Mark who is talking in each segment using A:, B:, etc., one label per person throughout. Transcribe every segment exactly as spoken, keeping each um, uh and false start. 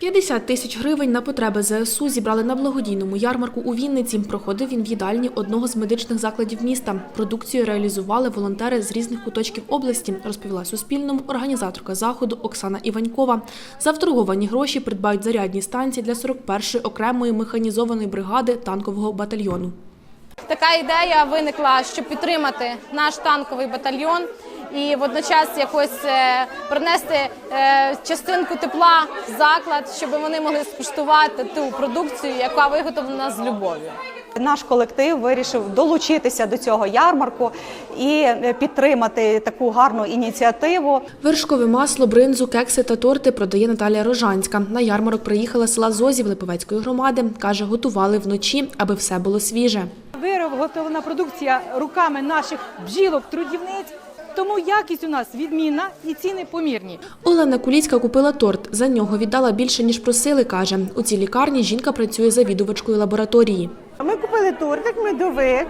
A: п'ятдесят тисяч гривень на потреби зе ес у зібрали на благодійному ярмарку у Вінниці. Проходив він в їдальні одного з медичних закладів міста. Продукцію реалізували волонтери з різних куточків області, розповіла Суспільному організаторка заходу Оксана Іванькова. За вторговані гроші придбають зарядні станції для сорок першої окремої механізованої бригади танкового батальйону.
B: Така ідея виникла, щоб підтримати наш танковий батальйон і водночас якось принести частинку тепла в заклад, щоб вони могли скуштувати ту продукцію, яка виготовлена з любов'ю.
C: Наш колектив вирішив долучитися до цього ярмарку і підтримати таку гарну ініціативу.
A: Вершкове масло, бринзу, кекси та торти продає Наталія Рожанська. На ярмарок приїхала з села Зозів Липовецької громади. Каже, готували вночі, аби все було свіже.
D: Виготовлена продукція руками наших бджілок-трудівниць, тому якість у нас відмінна і ціни помірні.
A: Олена Куліцька купила торт. За нього віддала більше, ніж просили, каже. У цій лікарні жінка працює завідувачкою лабораторії.
E: Ми купили тортик, медовик,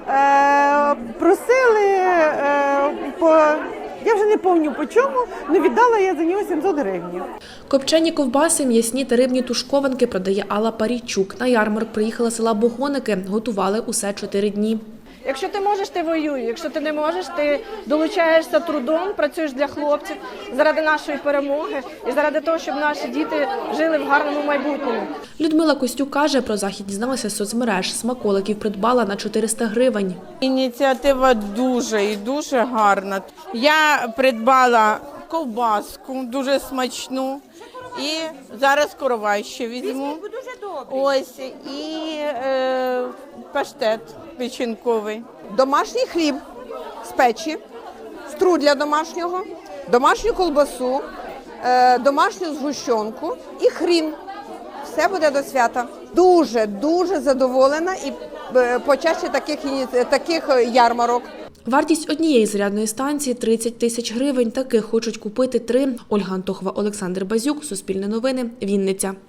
E: просили, по, я вже не пам'ятаю по чому, але віддала я за нього сімсот гривень.
A: Копчені ковбаси, м'ясні та рибні тушкованки продає Алла Парійчук. На ярмарок приїхала з села Богоники. Готували усе чотири дні.
F: Якщо ти можеш, ти воюй. Якщо ти не можеш, ти долучаєшся трудом, працюєш для хлопців заради нашої перемоги і заради того, щоб наші діти жили в гарному майбутньому.
A: Людмила Костюк каже, про захід дізналася з соцмереж. Смаколиків придбала на чотириста гривень.
G: Ініціатива дуже і дуже гарна. Я придбала ковбаску, дуже смачну. І зараз коровай ще візьму. Ось, і е, паштет печінковий.
H: Домашній хліб з печі, струдля домашнього, домашню колбасу, е, домашню згущенку і хрін. Все буде до свята. Дуже, дуже задоволена і е, почаще таких, таких ярмарок.
A: Вартість однієї зарядної станції – тридцять тисяч гривень. Таких хочуть купити три. Ольга Антохова, Олександр Базюк, Суспільне новини, Вінниця.